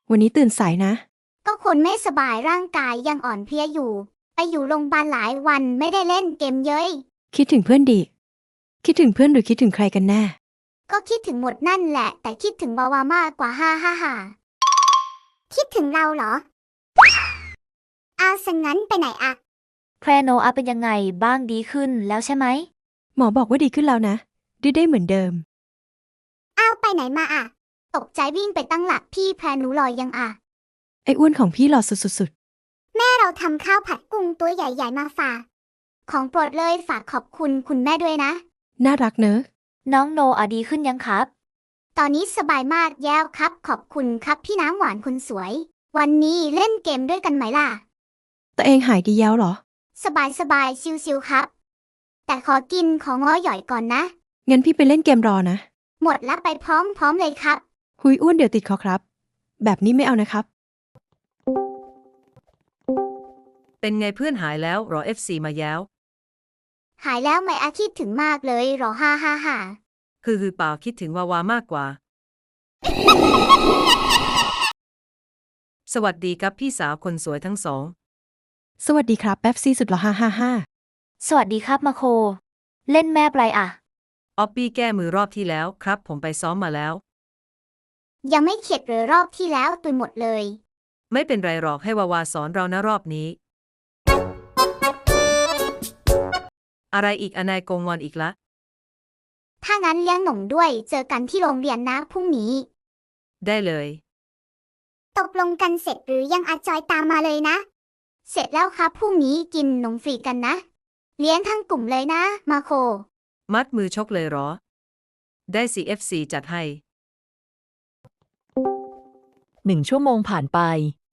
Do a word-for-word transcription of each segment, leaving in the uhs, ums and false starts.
วันนี้ตื่นสายนะก็คนไม่สบายร่างกายยังอ่อนเพลียอยู่ ไปอยู่โรงพยาบาลหลายวันไม่ได้เล่นเกมเย้ยคิดถึงเพื่อนดิ คิดถึงเพื่อนหรือคิดถึงใครกันแน่ก็คิดถึงหมดนั่นแหละ แต่คิดถึงวาวามากกว่าฮ่าฮ่าฮ่าคิดถึงเราเหรอเอาซะงั้นไปไหนอะแพรโนอาเป็นยังไงบ้างดีขึ้นแล้วใช่ไหมหมอบอกว่าดีขึ้นแล้วนะดื้อได้เหมือนเดิมเอาไปไหนมาอะตกใจวิ่งไปตั้งหลักพี่แพรหนูลอยยังอะไอ้อ้วนของพี่หล่อสุดแม่เราทำข้าวผัดกุ้งตัวใหญ่ๆมาฝากของโปรดเลยฝากขอบคุณคุณแม่ด้วยนะๆน่ารักเนอะน้องโนอาดีขึ้นยังครับตอนนี้สบายมากแย้วครับขอบคุณครับพี่น้ำหวานคนสวย วันนี้เล่นเกมด้วยกันไหมล่ะตัวเองหายดีแล้วเหรอสบายสบายชิวๆครับ แต่ขอกินของง้อหย่อยก่อนนะงั้นพี่ไปเล่นเกมรอนะหมดละไปพร้อมๆเลยครับหุยอ้วนเดี๋ยวติดคอครับ แบบนี้ไม่เอานะครับเป็นไงเพื่อนหายแล้วรอ เอฟ ซี มาแล้วหายแล้วไหมอาคิดถึงมากเลยหรอฮ่าฮ่าฮ่าคือคือเปล่าคิดถึงวาวามากกว่า สวัสดีครับพี่สาวคนสวยทั้งสองสวัสดีครับแป๊บซี่สุดหล่อฮ่าฮ่าฮ่าสวัสดีครับมาโค เล่นแม่ปลายอะออปปี้แก้มือรอบที่แล้วครับผมไปซ้อมมาแล้วยังไม่เข็ดเลยรอบที่แล้วตุยหมดเลยไม่เป็นไรหรอกให้วาวาสอนเรานะรอบนี้ อะไรอีกอนายโกงอนอีกละถ้างั้นเลี้ยงหนมด้วยเจอกันที่โรงเรียนนะพรุ่งนี้ได้เลยตกลงกันเสร็จหรือยังอาจอยตามมาเลยนะ เสร็จแล้วครับพรุ่งนี้กินนมฟรีกันนะ เลี้ยงทั้งกลุ่มเลยนะมาโคมัดมือชกเลยเหรอ ได้สิ เอฟ ซี จัดให้หนึ่งชั่วโมงผ่านไป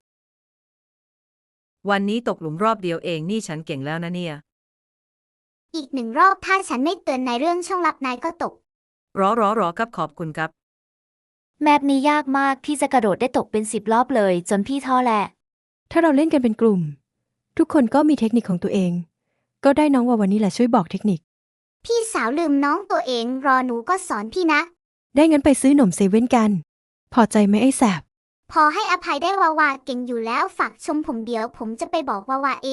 วันนี้ตกหลุมรอบเดียวเองนี่ฉันเก่งแล้วนะเนี่ยอีกหนึ่งรอบถ้าฉันไม่เตือนในเรื่องช่องลับนายก็ตกรอรอรอครับขอบคุณครับแมปนี้ยากมากพี่จะกระโดดได้ตกเป็นสิบรอบเลยจนพี่ท้อแหละถ้าเราเล่นกันเป็นกลุ่ม ทุกคนก็มีเทคนิคของตัวเอง ก็ได้น้องวาวันนี้แหละช่วยบอกเทคนิคพี่สาวลืมน้องตัวเองรอหนูก็สอนพี่นะได้งั้นไปซื้อหนมเซเว่นกัน พอใจไหมไอ้แสบพอให้อภัยได้วาวาเก่งอยู่แล้วฝากชมผมเดี๋ยวผมจะไปบอกวาวาเอง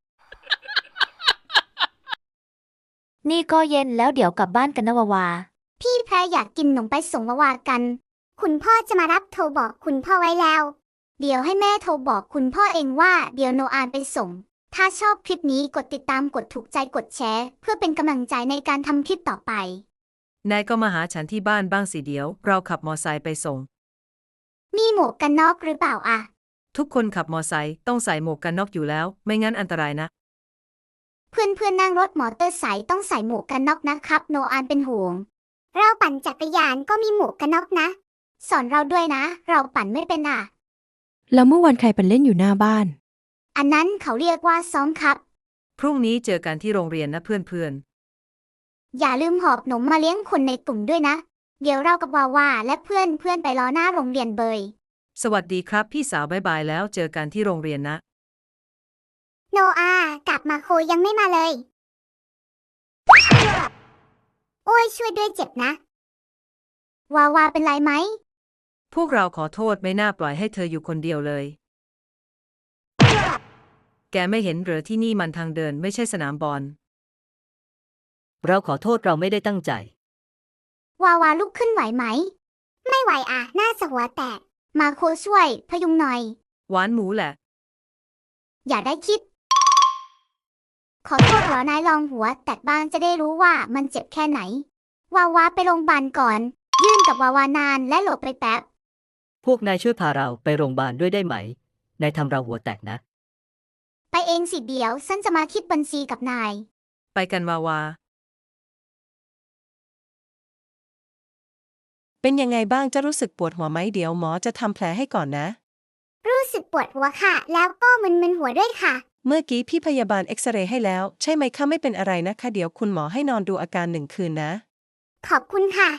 นี่ก็เย็นแล้วเดี๋ยวกลับบ้านกันนะวาวาพี่แพรอยากกินขนมไปส่งวาวากัน คุณพ่อจะมารับโทรบอกคุณพ่อไว้แล้ว เดี๋ยวให้แม่โทรบอกคุณพ่อเองว่าเดี๋ยวโนอานไปส่ง ถ้าชอบคลิปนี้กดติดตามกดถูกใจกดแชร์เพื่อเป็นกำลังใจในการทำคลิปต่อไปนายก็มาหาฉันที่บ้านบ้างสิเดี๋ยวเราขับมอไซค์ไปส่งมีหมวกกันน็อกหรือเปล่าอะทุกคนขับมอไซค์ต้องใส่หมวกกันน็อกอยู่แล้ว ไม่งั้นอันตรายนะเพื่อนเพื่อนนั่งรถมอเตอร์ไซค์ต้องใส่หมวกกันน็อกนะครับโนอานเป็นห่วง เราปั่นจักรยานก็มีหมวกกันน็อกนะ สอนเราด้วยนะ เราปั่นไม่เป็นอ่ะแล้วเมื่อวันใครเป็นเล่นอยู่หน้าบ้านอันนั้นเขาเรียกว่าซ้อมครับพรุ่งนี้เจอกันที่โรงเรียนนะเพื่อนๆอย่าลืมหอบหนมมาเลี้ยงคนในกลุ่มด้วยนะ เดี๋ยวเรากับวาวาและเพื่อนเพื่อนไปรอหน้าโรงเรียนเบยสวัสดีครับพี่สาวบ๊ายบายแล้วเจอกันที่โรงเรียนนะโนอากลับมาโคยังไม่มาเลย โอ้ยช่วยด้วยเจ็บนะ วาวาเป็นไรไหมพวกเราขอโทษไม่น่าปล่อยให้เธออยู่คนเดียวเลย แกไม่เห็นเหรอที่นี่มันทางเดินไม่ใช่สนามบอลเราขอโทษเราไม่ได้ตั้งใจวาวาลุกขึ้นไหวไหม ไม่ไหวอ่ะน่าจะหัวแตก มาโคช่วยพยุงหน่อยหวานหมูแหละอย่าได้คิด ขอโทษเหรอนายลองหัวแตกบ้างจะได้รู้ว่ามันเจ็บแค่ไหน วาวาไปโรงพยาบาลก่อน ยื่นกับวาวานานและหลบไปแป๊บพวกนายช่วยพาเราไปโรงพยาบาลด้วยได้ไหม นายทำเราหัวแตกนะไปเองสิเดี๋ยวฉันจะมาคิดบัญชีกับนายไปกันวาวาเป็นยังไงบ้างจะรู้สึกปวดหัวไหมเดี๋ยวหมอจะทำแผลให้ก่อนนะรู้สึกปวดหัวค่ะ แล้วก็มึนๆหัวด้วยค่ะเมื่อกี้พี่พยาบาลเอ็กซเรย์ให้แล้วใช่ไหมคะไม่เป็นอะไรนะคะเดี๋ยวคุณหมอให้นอนดูอาการหนึ่งคืนนะขอบคุณค่ะ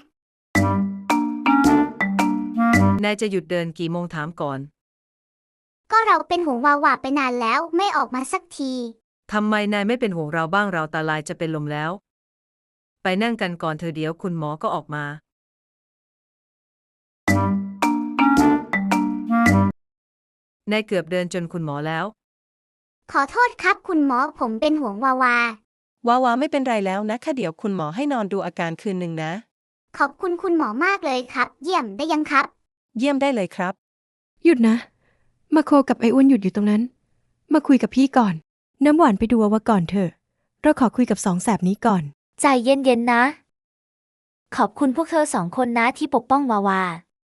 นายจะหยุดเดินกี่โมงถามก่อนก็เราเป็นห่วงวาวาไปนานแล้วไม่ออกมาสักทีทำไมนายไม่เป็นห่วงเราบ้างเราตาลายจะเป็นลมแล้ว ไปนั่งกันก่อนเธอเดี๋ยวคุณหมอก็ออกมานายเกือบเดินจนคุณหมอแล้วขอโทษครับคุณหมอผมเป็นห่วงวาวาวาวาไม่เป็นไรแล้วนะคะเดี๋ยวคุณหมอให้นอนดูอาการคืนหนึ่งนะขอบคุณคุณหมอมากเลยครับ เยี่ยมได้ยังครับเยี่ยมได้เลยครับหยุดนะ มาโคกับไอ้อ้วนหยุดอยู่ตรงนั้น มาคุยกับพี่ก่อน น้ำหวานไปดูวาวาก่อนเถอะ เราขอคุยกับสองแสบนี้ก่อนใจเย็นๆนะ ขอบคุณพวกเธอสองคนนะที่ปกป้องวาวา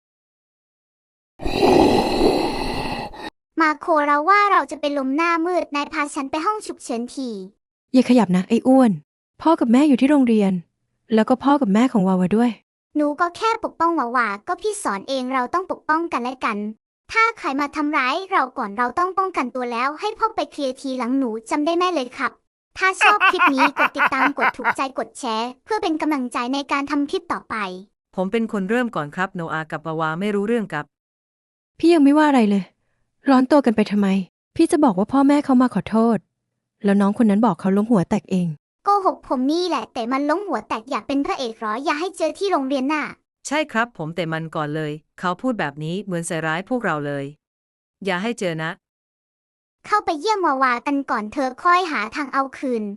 มาโคเราว่าเราจะเป็นลมหน้ามืดนายพาฉันไปห้องฉุกเฉินทีอย่าขยับนะไอ้อ้วน พ่อกับแม่อยู่ที่โรงเรียน แล้วก็พ่อกับแม่ของวาวาด้วยหนูก็แค่ปกป้องวาวาก็พี่สอนเองเราต้องปกป้องกันและกัน ถ้าใครมาทำร้ายเราก่อนเราต้องป้องกันตัวแล้ว ให้พ่อไปเคลียร์ทีหลังหนูจำได้แม่เลยครับ ถ้าชอบคลิปนี้กดติดตามกดถูกใจกดแชร์ เพื่อเป็นกำลังใจในการทำคลิปต่อไปผมเป็นคนเริ่มก่อนครับโนอากับวาวาไม่รู้เรื่องกับพี่ยังไม่ว่าอะไรเลย ร้อนตัวกันไปทำไม พี่จะบอกว่าพ่อแม่เขามาขอโทษ แล้วน้องคนนั้นบอกเขาล้มหัวแตกเองโกหกผมนี่แหละ แต่มันล้มหัวแตกอยากเป็นพระเอกเหรออย่าให้เจอที่โรงเรียนน่ะใช่ครับผมแต่มันก่อนเลย เขาพูดแบบนี้เหมือนใส่ร้ายพวกเราเลย อย่าให้เจอนะเข้าไปเยี่ยมวาวากันก่อนเธอค่อยหาทางเอาคืน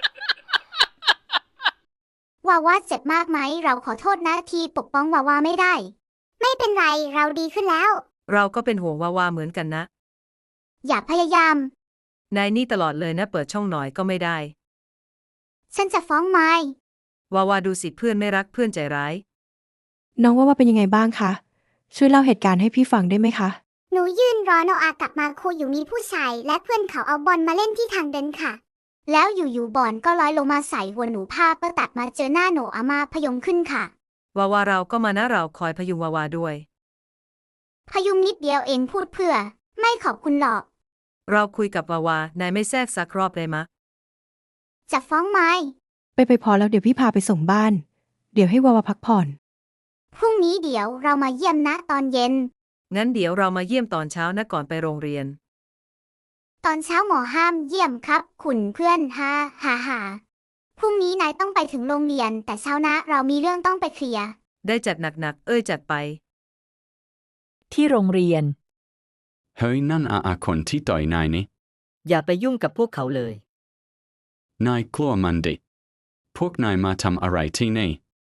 วาวาเจ็บมากไหมเราขอโทษนะที่ปกป้องวาวาไม่ได้ ไม่เป็นไรเราดีขึ้นแล้วเราก็เป็นห่วงวาวาเหมือนกันนะอย่าพยายามนายนี่ตลอดเลยนะเปิดช่องหน่อยก็ไม่ได้ฉันจะฟ้องไม้วาวาดูสิเพื่อนไม่รักเพื่อนใจร้ายน้องว่าว่าเป็นยังไงบ้างคะ ช่วยเล่าเหตุการณ์ให้พี่ฟังได้ไหมคะหนูยืนรอโนอากลับมาครูอยู่มีผู้ชายและเพื่อนเขาเอาบอลมาเล่นที่ทางเดินค่ะ แล้วอยู่ๆบอลก็ลอยลงมาใส่หัวหนูภาพก็ตัดมาเจอหน้าโนอามาพยงขึ้นค่ะวาวาเราก็มานะเราคอยพยุงวาวาด้วยพยุงนิดเดียวเองพูดเพื่อ ไม่ขอบคุณหรอกเราคุยกับวาวานายไม่แทรกสักรอบเลยมะจะฟ้องไม้ไปไปพอแล้วเดี๋ยวพี่พาไปส่งบ้าน เดี๋ยวให้วาวาพักผ่อนพรุ่งนี้เดี๋ยวเรามาเยี่ยมนะตอนเย็นงั้นเดี๋ยวเรามาเยี่ยมตอนเช้านะก่อนไปโรงเรียนตอนเช้าหมอห้ามเยี่ยมครับ คุณเพื่อนฮ่าฮ่าฮ่าพรุ่งนี้นายต้องไปถึงโรงเรียน แต่เช้านะเรามีเรื่องต้องไปเคลียร์ได้จัดหนักๆเอ้ยจัดไปที่โรงเรียนเฮ้ยนั่นอาอาคนที่ต่อยนายนี่อย่าไปยุ่งกับพวกเขาเลยนายกลัวมันดิ พวกนายมาทำอะไรที่นี่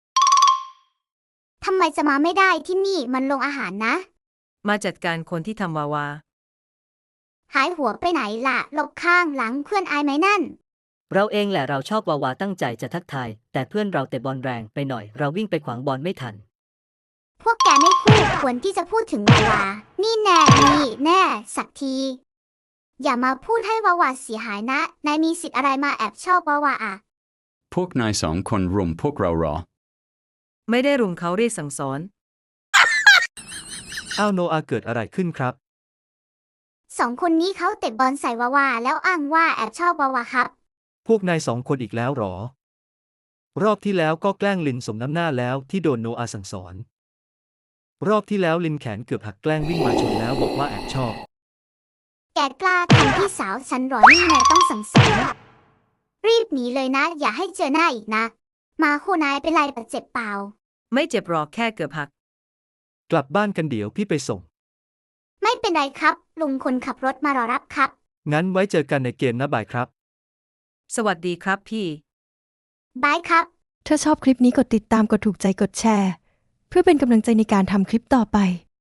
ทำไมจะมาไม่ได้ที่นี่มันโรงอาหารนะมาจัดการคนที่ทำวาวาหายหัวไปไหนล่ะหลบข้างหลังเพื่อนอายไหมนั่นเราเองแหละเราชอบวาวาตั้งใจจะทักทาย แต่เพื่อนเราเตะบอลแรงไปหน่อย เราวิ่งไปขวางบอลไม่ทันพวกแกไม่คู่ควรที่จะพูดถึงวาวา นี่แน่ นี่แน่ สักที อย่ามาพูดให้วาวาเสียหายนะ นายมีสิทธิ์อะไรมาแอบชอบวาวาอ่ะพวกนายสองคนรุมพวกเราเหรอไม่ได้รุมเขาเรียกสั่งสอนอ้าวโนอาเกิดอะไรขึ้นครับสองคนนี้เขาเตะบอลใส่วาวาแล้วอ้างว่าแอบชอบวาวาครับพวกนายสองคนอีกแล้วเหรอ รอบที่แล้วก็แกล้งลินสมน้ำหน้าแล้วที่โดนโนอาสั่งสอน รอบที่แล้วลินแขนเกือบหักแกล้งวิ่งมาชนแล้วบอกว่าแอบชอบแกกล้าทำพี่สาวฉันเหรอนี่นายต้องสั่งสอนรีบหนีเลยนะ อย่าให้เจอหน้าอีกนะ มาโคนายเป็นไรบาดเจ็บเปล่าไม่เจ็บหรอกแค่เกือบหักกลับบ้านกันเดี๋ยวพี่ไปส่งไม่เป็นไรครับ ลุงคนขับรถมารอรับครับงั้นไว้เจอกันในเกมนะบายครับสวัสดีครับพี่บายครับถ้าชอบคลิปนี้กดติดตามกดถูกใจกดแชร์ เพื่อเป็นกำลังใจในการทำคลิปต่อไป